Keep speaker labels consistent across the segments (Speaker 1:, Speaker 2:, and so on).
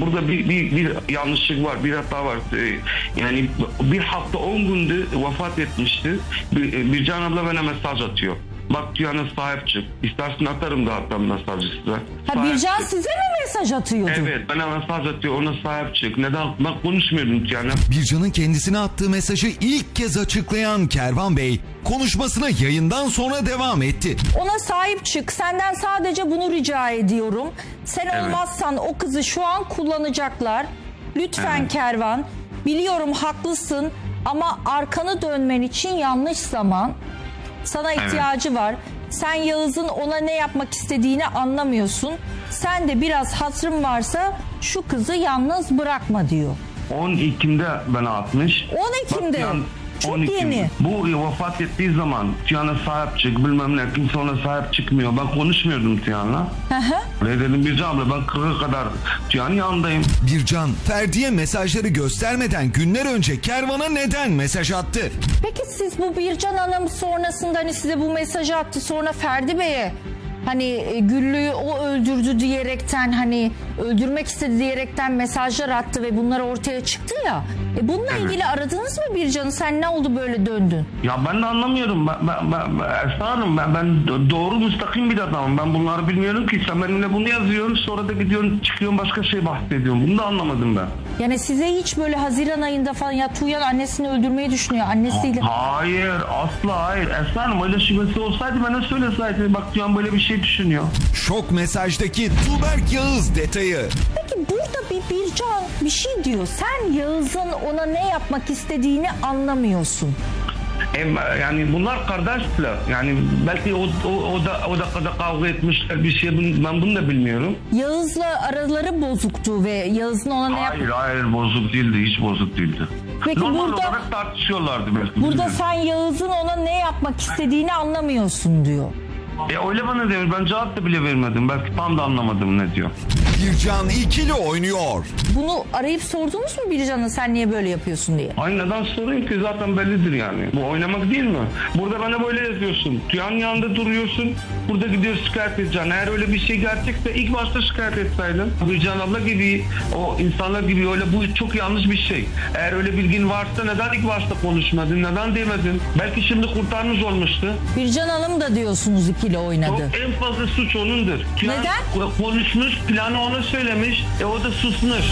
Speaker 1: burada bir yanlışlık var, bir hata var. Yani bir hafta 10 gündü vefat etmişti. Bircan abla bana mesaj atıyor. Bak Tüyan'a sahip çık. İstersen atarım da hatta mesajı size.
Speaker 2: Ha, Bircan size mi mesaj atıyordu?
Speaker 1: Evet, bana mesaj atıyor, ona sahip çık. Neden? Ben konuşmuyordum Tüyan'a.
Speaker 3: Bircan'ın kendisine attığı mesajı ilk kez açıklayan Kervan Bey konuşmasına yayından sonra devam etti.
Speaker 2: Ona sahip çık. Senden sadece bunu rica ediyorum. Sen olmazsan o kızı şu an kullanacaklar. Lütfen Kervan. Biliyorum haklısın ama arkanı dönmen için yanlış zaman. Sana ihtiyacı var. Sen Yağız'ın ona ne yapmak istediğini anlamıyorsun. Sen de biraz hatırın varsa şu kızı yalnız bırakma diyor.
Speaker 1: 10 Ekim'de bana atmış.
Speaker 2: 10 Ekim'de. Çok
Speaker 1: 10 Ekim.
Speaker 2: yeni.
Speaker 1: Bu vefat ettiği zaman Tüyan'a sahip çık, bilmem ne, kimse ona sahip çıkmıyor. Ben konuşmuyordum Tüyan'la. Öyle dedim Bircan abla, ben 40'a kadar Tüyan'ın yanındayım.
Speaker 3: Bircan, Ferdi'ye mesajları göstermeden günler önce Kervan'a neden mesaj attı?
Speaker 2: Peki siz bu Bircan Hanım sonrasında hani size bu mesajı attı, sonra Ferdi Bey'e hani Güllü'yü o öldürdü diyerekten, hani öldürmek istedi diyerekten mesajlar attı ve bunlar ortaya çıktı ya. Bununla ilgili aradınız mı Bircan'ı? Sen ne oldu böyle döndün?
Speaker 1: Ya ben de anlamıyorum. Esra Hanım, ben doğru müstakim bir adamım. Ben bunları bilmiyorum ki. Sen benimle bunu yazıyorsun, sonra da gidiyorsun çıkıyorsun başka şey bahsediyorsun. Bunu da anlamadım ben.
Speaker 2: Yani size hiç böyle Haziran ayında falan ya Tuğyan annesini öldürmeyi düşünüyor annesiyle.
Speaker 1: Hayır, asla hayır. Esra Hanım, öyle şüphesi olsaydı bana söyleseydi. Bak Tüyan böyle bir şey düşünüyor.
Speaker 3: Şok mesajdaki Tuğberk Yağız detayı.
Speaker 2: Peki burada Bircan bir şey diyor. Sen Yağız'ın ona ne yapmak istediğini anlamıyorsun.
Speaker 1: Yani bunlar kardeşler. Yani belki o da kavga etmişler bir şey. Ben bunu da bilmiyorum.
Speaker 2: Yağız'la araları bozuktu ve Yağız'ın ona ne yapmak...
Speaker 1: Hayır, bozuk değildi. Hiç bozuk değildi.
Speaker 2: Peki
Speaker 1: normal
Speaker 2: burada,
Speaker 1: olarak tartışıyorlardı belki.
Speaker 2: burada
Speaker 1: bilmiyorum.
Speaker 2: sen Yağız'ın ona ne yapmak istediğini anlamıyorsun diyor.
Speaker 1: Öyle bana diyor. Ben cevap da bile vermedim. Belki tam da anlamadım ne diyor.
Speaker 3: Bircan ikili oynuyor.
Speaker 2: Bunu arayıp sordunuz mu Bircan'a sen niye böyle yapıyorsun diye?
Speaker 1: Ay neden sorayım ki, zaten bellidir yani. Bu oynamak değil mi? Burada bana böyle yazıyorsun. Tüyan'ın yanında duruyorsun. Burada gidiyor şikayet edeceksin. Eğer öyle bir şey gerçekse ilk başta şikayet etseydin. Bircan abla gibi, o insanlar gibi öyle, bu çok yanlış bir şey. Eğer öyle bilgin varsa neden ilk başta konuşmadın? Neden demedin? Belki şimdi kurtarmış olmuştu.
Speaker 2: Bircan Hanım da diyorsunuz ikili oynadı.
Speaker 1: En fazla suç onundur. Tüyan
Speaker 2: Neden?
Speaker 1: konuşmuş, planı ona söylemiş. O da susmuş.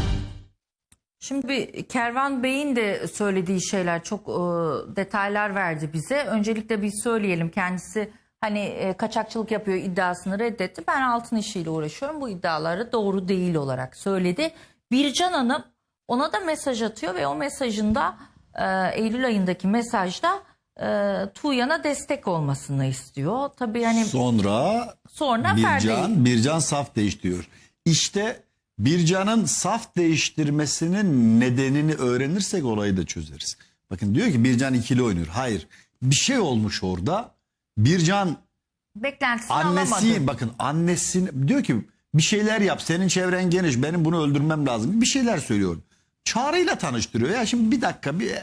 Speaker 2: Şimdi Kervan Bey'in de söylediği şeyler çok detaylar verdi bize. Öncelikle bir söyleyelim, kendisi hani kaçakçılık yapıyor iddiasını reddetti. Ben altın işiyle uğraşıyorum, bu iddiaları doğru değil olarak söyledi. Bircan Hanım ona da mesaj atıyor ve o mesajında Eylül ayındaki mesajda Tuğyan'a destek olmasını istiyor. Tabii yani sonra
Speaker 4: Bircan saf değiştiriyor. İşte Bircan'ın saf değiştirmesinin nedenini öğrenirsek olayı da çözeriz. Bakın diyor ki Bircan ikili oynuyor. Hayır. Bir şey olmuş orada. Bircan
Speaker 2: beklentisini alamadı.
Speaker 4: Annesini diyor ki bir şeyler yap. Senin çevren geniş. Benim bunu öldürmem lazım. Bir şeyler söylüyor. Çağrı'yla tanıştırıyor. Ya şimdi bir dakika, bir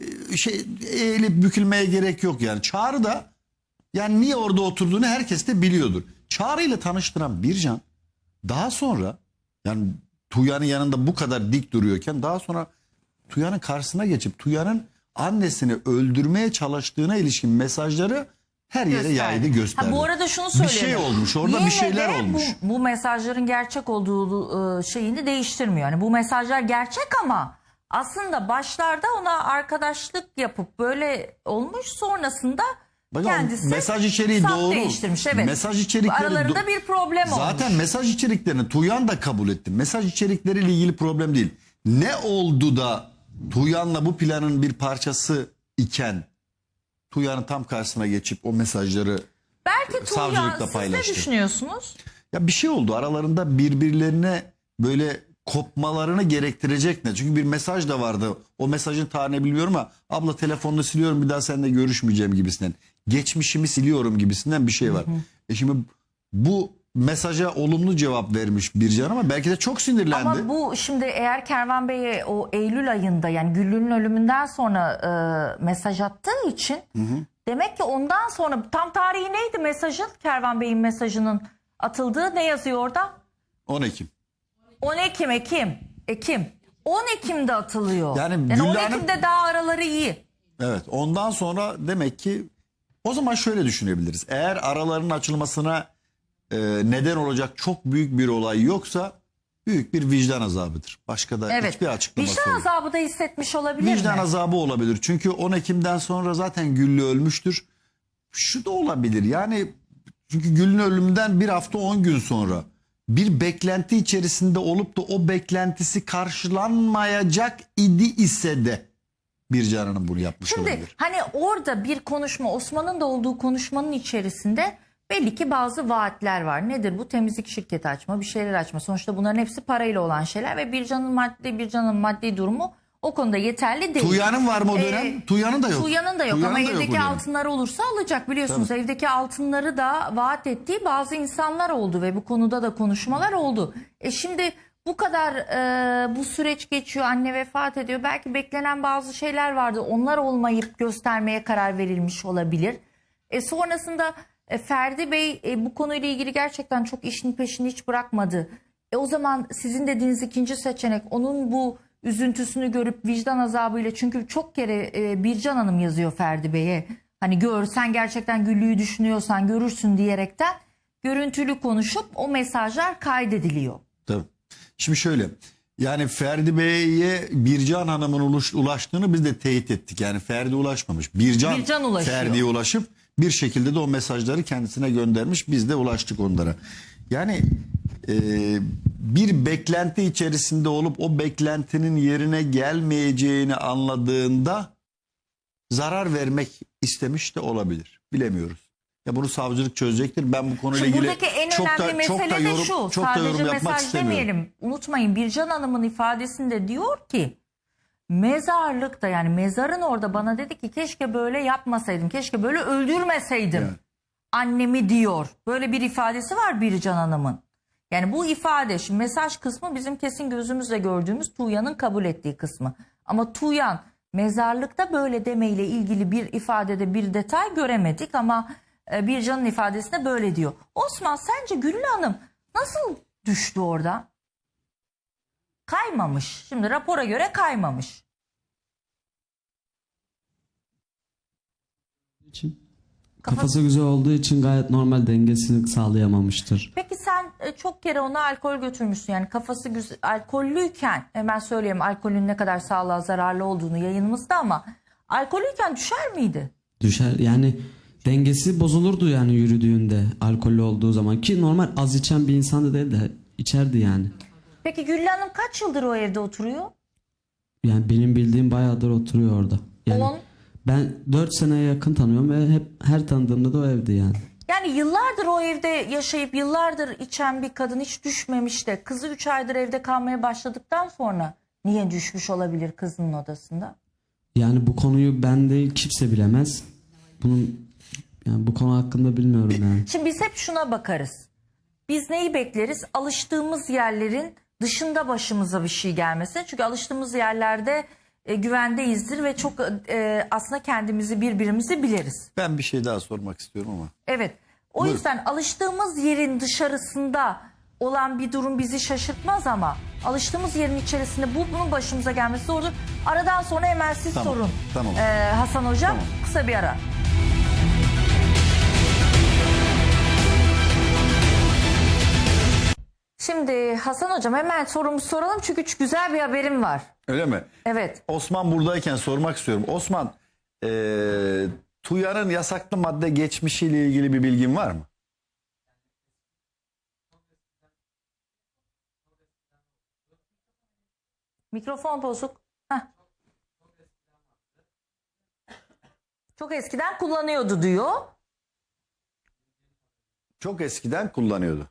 Speaker 4: eğilip bükülmeye gerek yok yani. Çağrı da yani niye orada oturduğunu herkes de biliyordur. Çağrı ile tanıştıran Bircan daha sonra, yani Tuğyan'ın yanında bu kadar dik duruyorken, daha sonra Tuğyan'ın karşısına geçip Tuğyan'ın annesini öldürmeye çalıştığına ilişkin mesajları her yere yaydı, gösterdi.
Speaker 2: Bu arada şunu söyleyeyim.
Speaker 4: Bir şey olmuş orada,
Speaker 2: yine
Speaker 4: bir şeyler olmuş.
Speaker 2: Bu mesajların gerçek olduğu şeyini değiştirmiyor. Yani bu mesajlar gerçek ama aslında başlarda ona arkadaşlık yapıp böyle olmuş, sonrasında kendisi
Speaker 4: mesaj içeriği
Speaker 2: saf
Speaker 4: doğru.
Speaker 2: değiştirmiş. Evet.
Speaker 4: Mesaj içerikleri
Speaker 2: aralarında bir problem olmuş.
Speaker 4: Zaten mesaj içeriklerini Tuğyan da kabul etti. Mesaj içerikleriyle ilgili problem değil. Ne oldu da Tuğyan'la bu planın bir parçası iken Tuğyan'ın tam karşısına geçip o mesajları
Speaker 2: belki Tuğyan,
Speaker 4: savcılıkla
Speaker 2: siz
Speaker 4: paylaştı.
Speaker 2: ne düşünüyorsunuz?
Speaker 4: Ya bir şey oldu aralarında, birbirlerine böyle kopmalarını gerektirecek ne? Çünkü bir mesaj da vardı. O mesajın tarihini bilmiyorum ama abla telefonunu siliyorum, bir daha seninle görüşmeyeceğim gibisinden. Geçmişimi siliyorum gibisinden bir şey var. Şimdi bu mesaja olumlu cevap vermiş Bircan ama belki de çok sinirlendi.
Speaker 2: Ama bu şimdi eğer Kervan Bey'e o Eylül ayında, yani Güllü'nün ölümünden sonra mesaj attığı için demek ki ondan sonra, tam tarihi neydi mesajın, Kervan Bey'in mesajının atıldığı, ne yazıyor orada?
Speaker 4: 10 Ekim.
Speaker 2: 10 Ekim. 10 Ekim'de atılıyor.
Speaker 4: Yani
Speaker 2: Yani
Speaker 4: Güllü
Speaker 2: 10
Speaker 4: Hanım-
Speaker 2: Ekim'de daha araları iyi.
Speaker 4: Evet, ondan sonra demek ki o zaman şöyle düşünebiliriz. Eğer araların açılmasına neden olacak çok büyük bir olay yoksa büyük bir vicdan azabıdır. Başka da
Speaker 2: Evet.
Speaker 4: hiçbir açıklaması
Speaker 2: Vicdan
Speaker 4: yok.
Speaker 2: azabı da hissetmiş olabilir
Speaker 4: Vicdan
Speaker 2: mi?
Speaker 4: azabı olabilir. Çünkü 10 Ekim'den sonra zaten Güllü ölmüştür. Şu da olabilir. Yani çünkü Güllü'nün ölümünden bir hafta 10 gün sonra bir beklenti içerisinde olup da o beklentisi karşılanmayacak idi ise de Bircan Hanım bunu yapmış
Speaker 2: Şimdi
Speaker 4: olabilir.
Speaker 2: hani orada bir konuşma, Osman'ın da olduğu konuşmanın içerisinde belli ki bazı vaatler var. Nedir bu? Temizlik şirketi açma, bir şeyler açma. Sonuçta bunların hepsi parayla olan şeyler ve Bircan'ın maddi durumu o konuda yeterli değil.
Speaker 4: Tuğya'nın var mı o dönem? Tuğya'nın da yok.
Speaker 2: Tuğya'nın da yok
Speaker 4: Tuğya'nın
Speaker 2: ama
Speaker 4: da yok o
Speaker 2: evdeki
Speaker 4: dönem.
Speaker 2: altınları olursa alacak, biliyorsunuz. Evdeki altınları da vaat ettiği bazı insanlar oldu ve bu konuda da konuşmalar oldu. Şimdi bu kadar bu süreç geçiyor, anne vefat ediyor. Belki beklenen bazı şeyler vardı. Onlar olmayıp göstermeye karar verilmiş olabilir. Sonrasında Ferdi Bey bu konuyla ilgili gerçekten çok işin peşini hiç bırakmadı. O zaman sizin dediğiniz ikinci seçenek, onun bu üzüntüsünü görüp vicdan azabıyla, çünkü çok kere Bircan Hanım yazıyor Ferdi Bey'e. Hani sen gerçekten Güllü'yü düşünüyorsan görürsün diyerekten görüntülü konuşup o mesajlar kaydediliyor.
Speaker 4: Tabii. Şimdi şöyle, yani Ferdi Bey'e Bircan Hanım'ın ulaştığını biz de teyit ettik. Yani Ferdi ulaşmamış. Bircan
Speaker 2: ulaşıyor.
Speaker 4: Ferdi'ye ulaşıp bir şekilde de o mesajları kendisine göndermiş. Biz de ulaştık onlara. Yani bir beklenti içerisinde olup o beklentinin yerine gelmeyeceğini anladığında zarar vermek istemiş de olabilir. Bilemiyoruz. Ya bunu savcılık çözecektir. Ben bu konuyla
Speaker 2: Şimdi
Speaker 4: ilgili
Speaker 2: buradaki en
Speaker 4: çok
Speaker 2: önemli
Speaker 4: da
Speaker 2: mesele de şu.
Speaker 4: çok da
Speaker 2: Sadece
Speaker 4: yorum yapmak
Speaker 2: mesaj
Speaker 4: istemiyorum.
Speaker 2: demeyelim. Unutmayın, Bircan Hanım'ın ifadesinde diyor ki mezarlıkta, yani mezarın orada bana dedi ki keşke böyle yapmasaydım. Keşke böyle öldürmeseydim.
Speaker 4: Evet.
Speaker 2: Annemi diyor. Böyle bir ifadesi var Bircan Hanım'ın. Yani bu ifade, şimdi mesaj kısmı bizim kesin gözümüzle gördüğümüz Tuğya'nın kabul ettiği kısmı. Ama Tuğyan mezarlıkta böyle demeyle ilgili bir ifadede bir detay göremedik ama Bircan'ın ifadesinde böyle diyor. Osman, sence Güllü Hanım nasıl düştü orada? Kaymamış. Şimdi rapora göre kaymamış.
Speaker 5: Kafası güzel olduğu için gayet normal dengesini sağlayamamıştır.
Speaker 2: Peki sen çok kere ona alkol götürmüşsün. Yani kafası güzel, alkollüyken, hemen söyleyeyim alkolün ne kadar sağlığa zararlı olduğunu yayınımızda, ama alkollüyken düşer miydi?
Speaker 5: Düşer yani, dengesi bozulurdu yani yürüdüğünde alkollü olduğu zaman, ki normal az içen bir insan da değil de içerdi yani.
Speaker 2: Peki Güllü Hanım kaç yıldır o evde oturuyor?
Speaker 5: Yani benim bildiğim bayağıdır oturuyor orada. Yani
Speaker 2: 10.
Speaker 5: ben 4 seneye yakın tanıyorum ve hep her tanıdığımda da o evde yani.
Speaker 2: Yani yıllardır o evde yaşayıp yıllardır içen bir kadın hiç düşmemiş de kızı 3 aydır evde kalmaya başladıktan sonra niye düşmüş olabilir kızının odasında?
Speaker 5: Yani bu konuyu ben değil, kimse bilemez. Yani bu konu hakkında bilmiyorum yani.
Speaker 2: Şimdi biz hep şuna bakarız. Biz neyi bekleriz? Alıştığımız yerlerin dışında başımıza bir şey gelmesin. Çünkü alıştığımız yerlerde güvendeyizdir ve çok aslında kendimizi, birbirimizi biliriz.
Speaker 4: Ben bir şey daha sormak istiyorum ama.
Speaker 2: Evet. O
Speaker 4: Buyurun.
Speaker 2: yüzden alıştığımız yerin dışarısında olan bir durum bizi şaşırtmaz ama alıştığımız yerin içerisinde bunun başımıza gelmesi zordur. Aradan sonra hemen siz
Speaker 4: Tamam,
Speaker 2: sorun.
Speaker 4: tamam.
Speaker 2: Hasan Hocam,
Speaker 4: Tamam.
Speaker 2: kısa bir ara. Şimdi Hasan Hocam hemen sorumuzu soralım çünkü güzel bir haberim var.
Speaker 4: Öyle mi?
Speaker 2: Evet.
Speaker 4: Osman buradayken sormak istiyorum. Osman, Tuğya'nın yasaklı madde geçmişiyle ilgili bir bilgin var mı?
Speaker 2: Mikrofon bozuk. Heh. Çok eskiden kullanıyordu diyor.
Speaker 4: Çok eskiden kullanıyordu.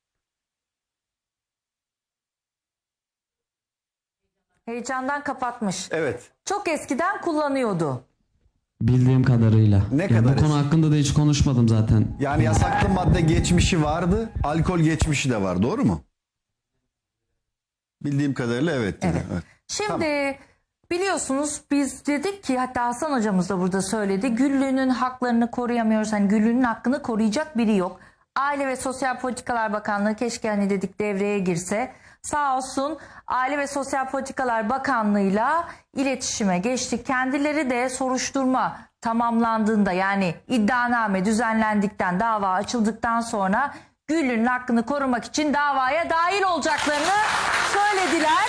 Speaker 2: Heyecandan kapatmış.
Speaker 4: Evet.
Speaker 2: Çok eskiden kullanıyordu.
Speaker 5: Bildiğim kadarıyla.
Speaker 4: Ne
Speaker 5: Ya
Speaker 4: kadar
Speaker 5: bu konu hakkında da hiç konuşmadım zaten.
Speaker 4: Yani yasaklı madde geçmişi vardı, alkol geçmişi de var. Doğru mu? Bildiğim kadarıyla evet. dedi.
Speaker 2: Evet.
Speaker 4: Evet.
Speaker 2: Şimdi biliyorsunuz biz dedik ki, hatta Hasan hocamız da burada söyledi, Güllü'nün haklarını koruyamıyoruz. Hani Güllü'nün hakkını koruyacak biri yok. Aile ve Sosyal Politikalar Bakanlığı keşke hani dedik devreye girse. Sağ olsun Aile ve Sosyal Politikalar Bakanlığı'yla iletişime geçtik. Kendileri de soruşturma tamamlandığında, yani iddianame düzenlendikten, dava açıldıktan sonra Güllü'nün hakkını korumak için davaya dahil olacaklarını söylediler.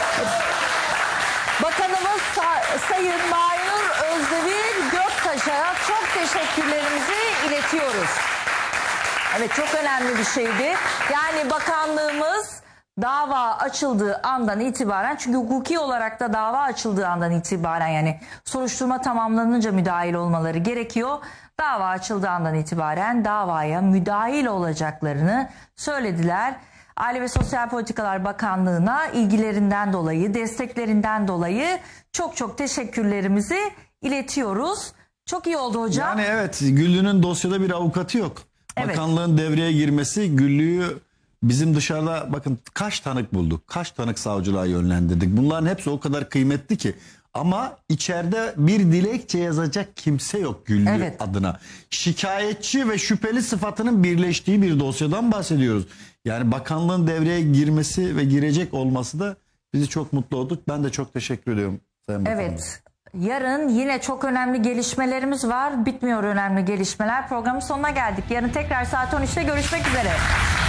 Speaker 2: Bakanımız Sayın Maynur Özdemir Göktaş'a çok teşekkürlerimizi iletiyoruz. Evet, çok önemli bir şeydi. Yani bakanlığımız dava açıldığı andan itibaren, çünkü hukuki olarak da dava açıldığı andan itibaren, yani soruşturma tamamlanınca müdahil olmaları gerekiyor. Dava açıldığı andan itibaren davaya müdahil olacaklarını söylediler. Aile ve Sosyal Politikalar Bakanlığı'na ilgilerinden dolayı, desteklerinden dolayı çok çok teşekkürlerimizi iletiyoruz. Çok iyi oldu hocam.
Speaker 4: Yani evet, Güllü'nün dosyada bir avukatı yok.
Speaker 2: Evet.
Speaker 4: Bakanlığın devreye girmesi Güllü'yü, bizim dışarıda bakın kaç tanık bulduk, kaç tanık savcılığa yönlendirdik. Bunların hepsi o kadar kıymetli ki. Ama içeride bir dilekçe yazacak kimse yok Güllü
Speaker 2: Evet.
Speaker 4: adına. Şikayetçi ve şüpheli sıfatının birleştiği bir dosyadan bahsediyoruz. Yani bakanlığın devreye girmesi ve girecek olması da bizi çok mutlu olduk. Ben de çok teşekkür ediyorum Sayın Bakanım.
Speaker 2: Evet. Yarın yine çok önemli gelişmelerimiz var. Bitmiyor önemli gelişmeler. Programın sonuna geldik. Yarın tekrar saat 13'te görüşmek üzere.